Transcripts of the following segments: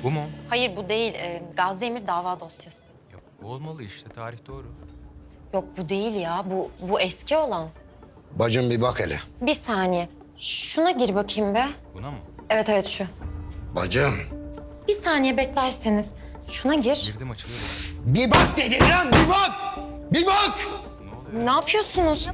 Bu mu? Hayır bu değil. Gazi Emir dava dosyası. Ya, bu olmalı işte. Tarih doğru. Yok bu değil ya. Bu eski olan. Bacım bir bak hele. Bir saniye. Şuna gir bakayım be. Buna mı? Evet evet şu. Bacım Bir saniye beklerseniz. Şuna gir. Girdim açılıyor. bir bak dedim lan, bir bak! Bir bak! Ne yapıyorsunuz?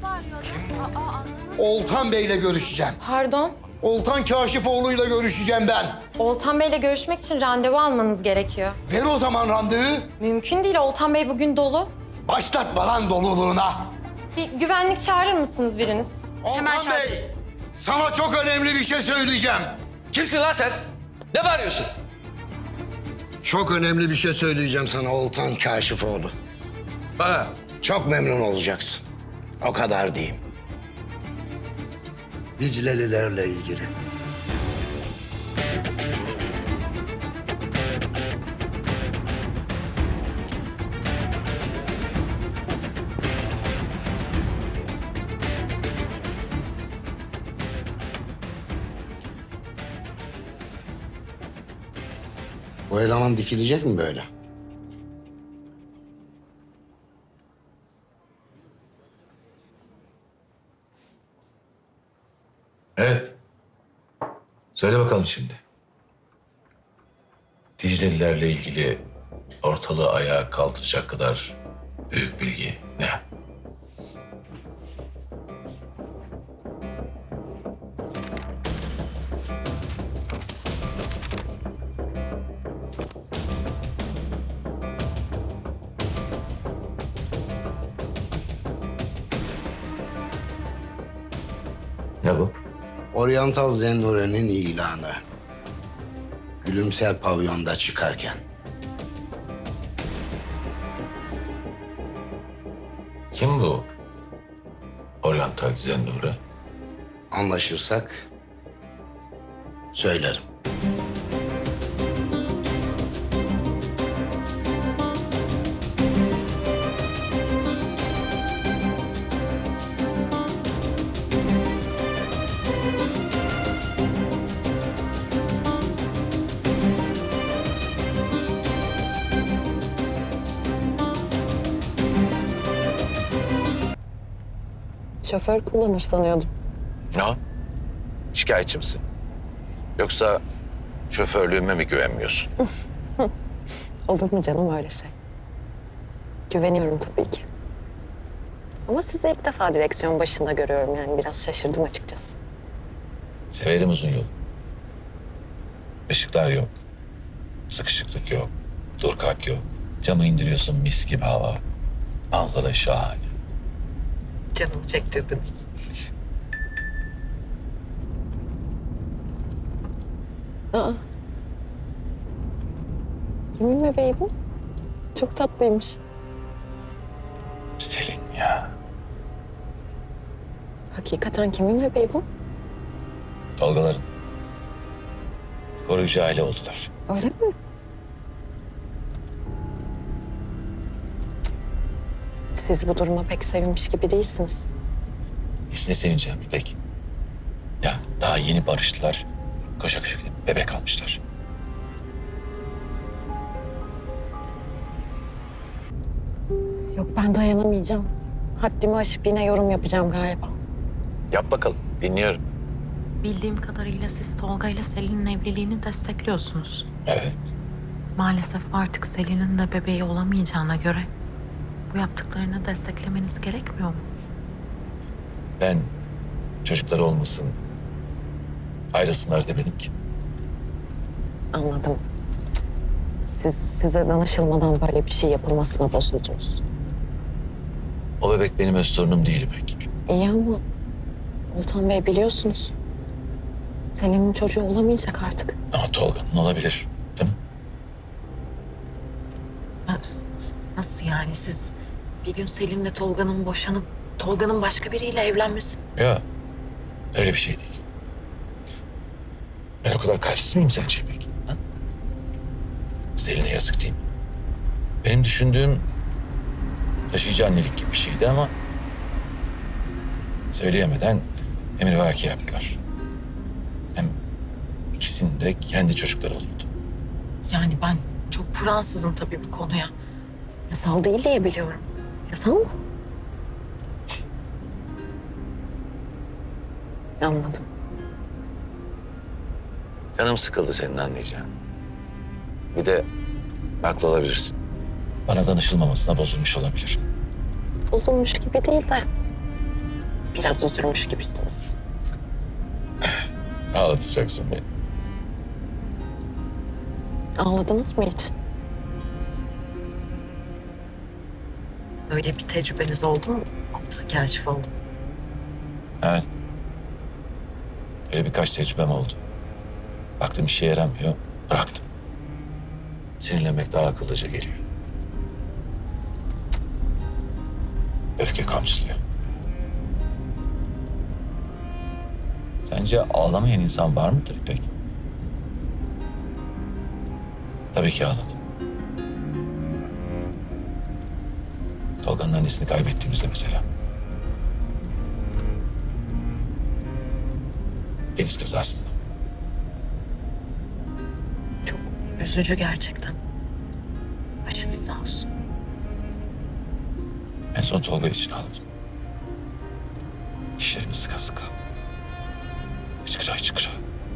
Oltan Bey'le görüşeceğim. Pardon. Oltan Kaşifoğlu'yla görüşeceğim ben. Oltan Bey'le görüşmek için randevu almanız gerekiyor. Ver o zaman randevu. Mümkün değil. Oltan Bey bugün dolu. Başlatma lan doluluğuna. Bir güvenlik çağırır mısınız biriniz? Oltan Bey, sana çok önemli bir şey söyleyeceğim. Kimsin lan sen? Ne bağırıyorsun? Çok önemli bir şey söyleyeceğim sana Oltan Kaşifoğlu. Bana. Çok memnun olacaksın. O kadar diyeyim. Diclelilerle ilgili. Bu eleman dikilecek mi böyle? Evet. Söyle bakalım şimdi. Diclelilerle ilgili ortalığı ayağa kaldıracak kadar büyük bilgi ne? Ne bu? Oriental Zennure'nin ilanı. Gülümser pavyonda çıkarken. Kim bu? Oriental Zennure. Anlaşırsak söylerim. Şoför kullanır sanıyordum. Ne o? Şikayetçi misin? Yoksa şoförlüğüme mi güvenmiyorsun? Olur mu canım öyle şey? Güveniyorum tabii ki. Ama sizi ilk defa direksiyon başında görüyorum yani biraz şaşırdım açıkçası. Severim uzun yol. Işıklar yok. Sıkışıklık yok. Dur kalk yok. Camı indiriyorsun mis gibi hava. Manzara şahane. Canımı çektirdiniz. Aa. Kimin bebeği bu? Çok tatlıymış. Selin ya. Hakikaten kimin bebeği bu? Tolgaların. Koruyucu aile oldular. Öyle mi? Siz bu duruma pek sevinmiş gibi değilsiniz. Ne sevineceğim İpek? Ya daha yeni barıştılar. Koşa koşa gidip bebek almışlar. Yok ben dayanamayacağım. Haddimi aşıp yine yorum yapacağım galiba. Yap bakalım. Dinliyorum. Bildiğim kadarıyla siz Tolga ile Selin'in evliliğini destekliyorsunuz. Evet. Maalesef artık Selin'in de bebeği olamayacağına göre bu yaptıklarını desteklemeniz gerekmiyor mu? Ben çocukları olmasın, ayrılsınlar demedim ki. Anladım. Size danışılmadan böyle bir şey yapılmasına bozuldunuz. O bebek benim öz torunum değil İpek. İyi ama Oltan Bey biliyorsunuz. Selin'in çocuğu olamayacak artık. Ama Tolga'nın olabilir. Değil mi? Nasıl yani siz bir gün Selin'le Tolga'nın boşanıp Tolga'nın başka biriyle evlenmesi? Ya öyle bir şey değil. Ben o kadar kalpsiz miyim sence İpek? Ha? Selin'e yazık değil mi? Benim düşündüğüm taşıyıcı annelik gibi bir şeydi ama söyleyemeden emrivaki yaptılar. Hem ikisinin de kendi çocukları olurdu. Yani ben çok Fransızım tabii bu konuya. Yasal değil diye biliyorum. Yasal mı? Anladım. Canım sıkıldı senin anlayacağın. Bir de haklı olabilirsin. Bana danışılmamasına bozulmuş olabilir. Bozulmuş gibi değil de biraz üzülmüş gibisiniz. Ağlatacaksın beni. Ağladınız mı hiç? Öyle bir tecrübeniz oldu mu? Altan kaşif oldu. Evet. Öyle birkaç tecrübem oldu. Baktım işe yaramıyor, bıraktım. Sinirlenmek daha akıllıca geliyor. Öfke kamçılıyor. Sence ağlamayan insan var mıdır İpek? Tabii ki ağladım. Tolga'nın annesini kaybettiğimizde mesela. Deniz kazasında. Çok üzücü gerçekten. Başınız sağ olsun. En son Tolga için ağladım. Dişlerimi sıka sıka. Hıçkıra hıçkıra.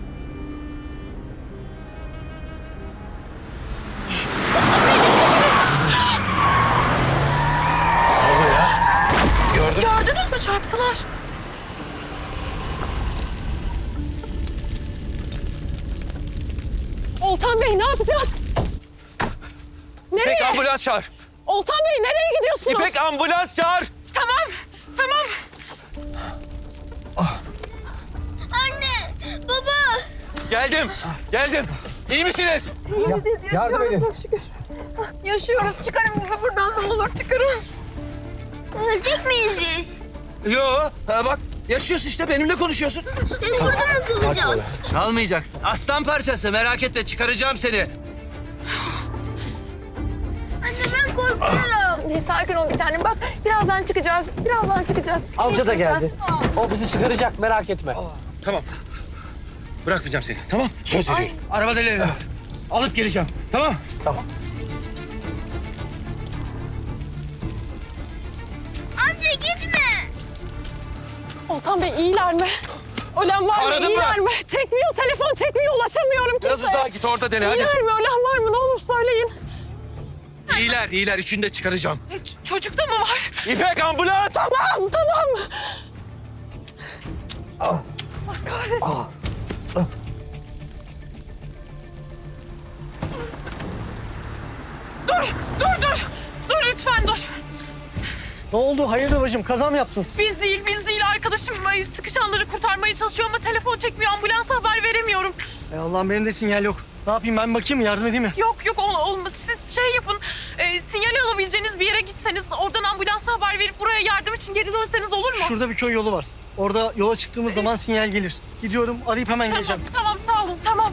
Gördünüz mü? Çarptılar. Oltan Bey ne yapacağız? İpek ambulans çağır. Oltan Bey nereye gidiyorsunuz? İpek ambulans çağır. Tamam, tamam. Anne, baba. Geldim. İyi misiniz? Yardım edin. Çok şükür. Yaşıyoruz. Çıkarın bizi buradan ne olur çıkarın. Ölecek miyiz biz? Yo, bak yaşıyorsun işte benimle konuşuyorsun. Biz burada mı kalacağız? Çalmayacaksın. Aslan parçası merak etme çıkaracağım seni. Anne ben korkuyorum. Bir sakin ol bir tanem. Bak birazdan çıkacağız. Amca da geldi. O bizi çıkaracak merak etme. Tamam. Bırakmayacağım seni tamam? Söz veriyorum. Araba deliği var. Alıp geleceğim tamam? Amca gitme. Oltan Bey iyiler mi? Ölen var mı? Aradın mı? İyiler mi? Çekmiyor telefon çekmiyor. Ulaşamıyorum Biraz kimseye. uzağa git orada dene hadi. İyiler mi? Ölen var mı? Ne olur söyleyin. İyiler. Üçünü de çıkaracağım. Çocukta mı var? İpek ambulans. Tamam. Allah kahretsin. Dur lütfen dur. Ne oldu? Hayırdır bacım? Kaza mı yaptınız? Biz değil. Arkadaşım sıkışanları kurtarmaya çalışıyor ama telefon çekmiyor. Ambulansa haber veremiyorum. Allah'ım benim de sinyal yok. Ne yapayım ben bakayım mı? Yardım edeyim mi? Yok olmaz. Siz şey yapın. Sinyal alabileceğiniz bir yere gitseniz oradan ambulansa haber verip buraya yardım için geri dönseniz olur mu? Şurada bir köy yolu var. Orada yola çıktığımız zaman sinyal gelir. Gidiyorum arayıp hemen geleceğim. Tamam sağ olun tamam.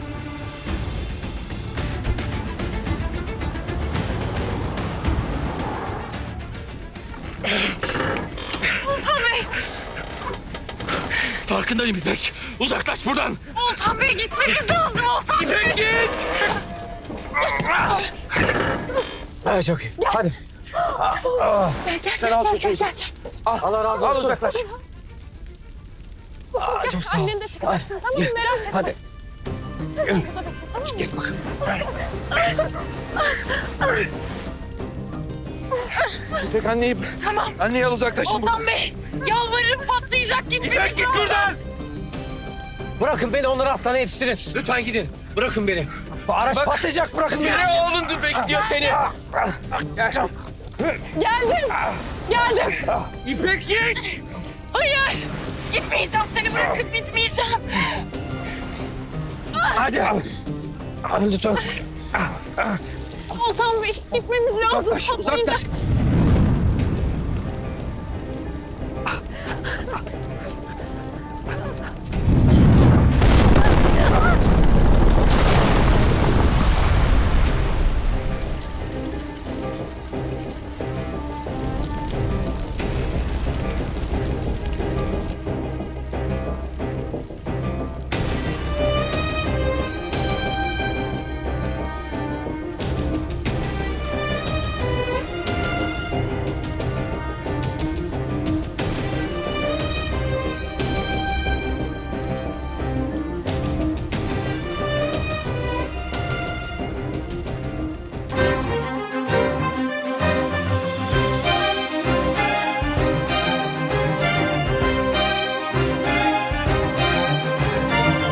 Oltan Bey! Farkındayım İpek. Uzaklaş buradan. Oltan Bey gitmemiz lazım Oltan Bey! İpek git. Ha, çok iyi. Hadi. Sen al çocuğu. Allah razı olsun. Al uzaklaş. Çok sağ ol. Annen de çıkacaksın tamam mı? Merak etme. Hadi. Gel bakın. İpek anneyi... Tamam. Anneyi al uzaklaşın buradan. Oltan Bey! Yalvarırım patlayacak gitmemiz İpek git lazım. buradan. Bırakın beni onları hastaneye yetiştirin. Lütfen gidin. Bırakın beni. Araç Bak. patlayacak bırakın beni. Biri oğlun bekliyor seni. Geldim. İpek git. Hayır! Gitmeyeceğim seni bırakıp gitmeyeceğim. Hadi. Lütfen. Oltan Bey gitmemiz lazım. Uzaklaş. Patlayacak.